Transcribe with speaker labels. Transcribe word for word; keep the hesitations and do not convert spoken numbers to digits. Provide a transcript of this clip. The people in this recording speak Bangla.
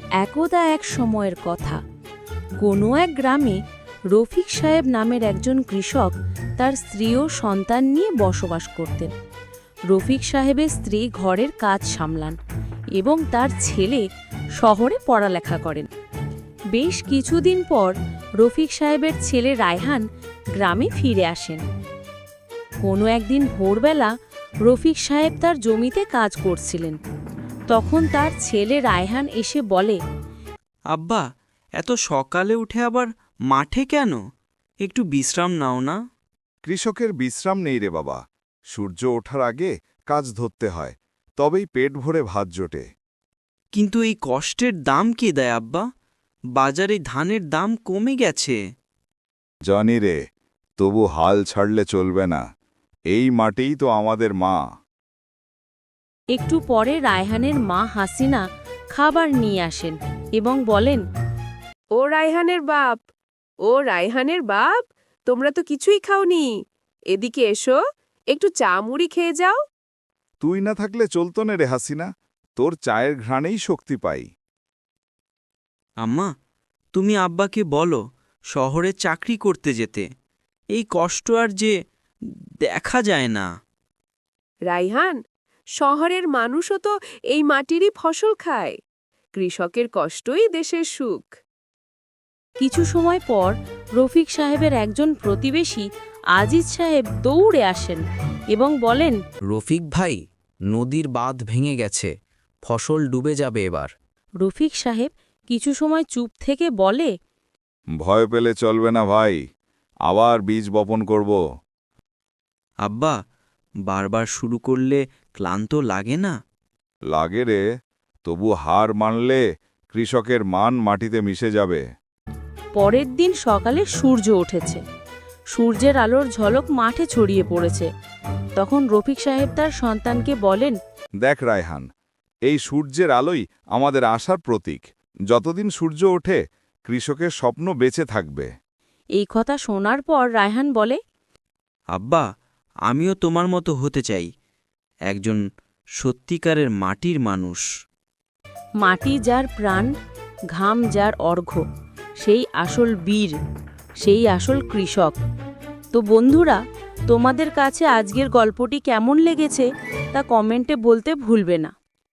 Speaker 1: একদা এক সময়ের কথা, কোনো এক গ্রামে রফিক সাহেব নামের একজন কৃষক তার স্ত্রী ও সন্তান নিয়ে বসবাস করতেন। রফিক সাহেবের স্ত্রী ঘরের কাজ সামলান এবং তার ছেলে শহরে পড়ালেখা করেন। বেশ কিছুদিন পর রফিক সাহেবের ছেলে রায়হান গ্রামে ফিরে আসেন। কোনো একদিন ভোরবেলা রফিক সাহেব তার জমিতে কাজ করছিলেন। তখন তার ছেলে রায়হান এসে বলে,
Speaker 2: আব্বা, এত সকালে উঠে আবার মাঠে কেন? একটু বিশ্রাম নাও না।
Speaker 3: কৃষকের বিশ্রাম নেই রে বাবা, সূর্য ওঠার আগে কাজ ধরতে হয়, তবেই পেট ভরে ভাত জোটে।
Speaker 2: কিন্তু এই কষ্টের দাম কে দেয় আব্বা? বাজারে ধানের দাম কমে গেছে।
Speaker 3: জানি রে, তবু হাল ছাড়লে চলবে না, এই মাটিই তো আমাদের মা।
Speaker 1: একটু পরে রায়হানের মা হাসিনা খাবার নিয়ে আসেন এবং বলেন,
Speaker 4: ও রায়হানের বাপ, ও রায়হানের বাপ, তোমরা তো কিছুই খাওনি। এদিকে এসো, একটু চা মুড়ি খেয়ে যাও।
Speaker 3: তুই না থাকলে চলতো না রে হাসিনা, তোর চায়ের ঘ্রাণেই শক্তি পাই।
Speaker 2: আম্মা, তুমি আব্বাকে বলো শহরে চাকরি করতে যেতে। এই কষ্ট আর যে দেখা যায় না।
Speaker 4: রায়হান, শহরের মানুষও তো এই মাটিরই ফসল খায়। কৃষকের কষ্টই দেশের সুখ।
Speaker 1: কিছু সময় পর রফিক সাহেবের একজন প্রতিবেশী আজিজ সাহেব দৌড়ে আসেন এবং বলেন,
Speaker 5: রফিক ভাই, নদীর বাঁধ ভেঙে গেছে, ফসল ডুবে যাবে এবার।
Speaker 1: রফিক সাহেব কিছু সময় চুপ থেকে বলে,
Speaker 3: ভয় পেলে চলবে না ভাই, আবার বীজ বপন করব।
Speaker 2: আব্বা, বারবার শুরু করলে ক্লান্ত লাগে না?
Speaker 3: লাগে রে, তবু হার মানলে কৃষকের মান মাটিতে মিশে যাবে।
Speaker 1: পরের দিন সকালে সূর্য উঠেছে। সূর্যের আলোর ঝলক মাঠে ছড়িয়ে পড়েছে। তখন রফিক সাহেব তার সন্তানকে বলেন,
Speaker 3: দেখ রায়হান, এই সূর্যের আলোই আমাদের আশার প্রতীক। যতদিন সূর্য ওঠে, কৃষকের স্বপ্ন বেঁচে থাকবে।
Speaker 1: এই কথা শোনার পর রায়হান বলে,
Speaker 2: আব্বা, আমিও তোমার মতো হতে চাই, একজন সত্যিকারের মাটির মানুষ।
Speaker 1: মাটি যার প্রাণ, ঘাম যার অর্ঘ্য, সেই আসল বীর, সেই আসল কৃষক। তো বন্ধুরা, তোমাদের কাছে আজকের গল্পটি কেমন লেগেছে তা কমেন্টে বলতে ভুলবে না।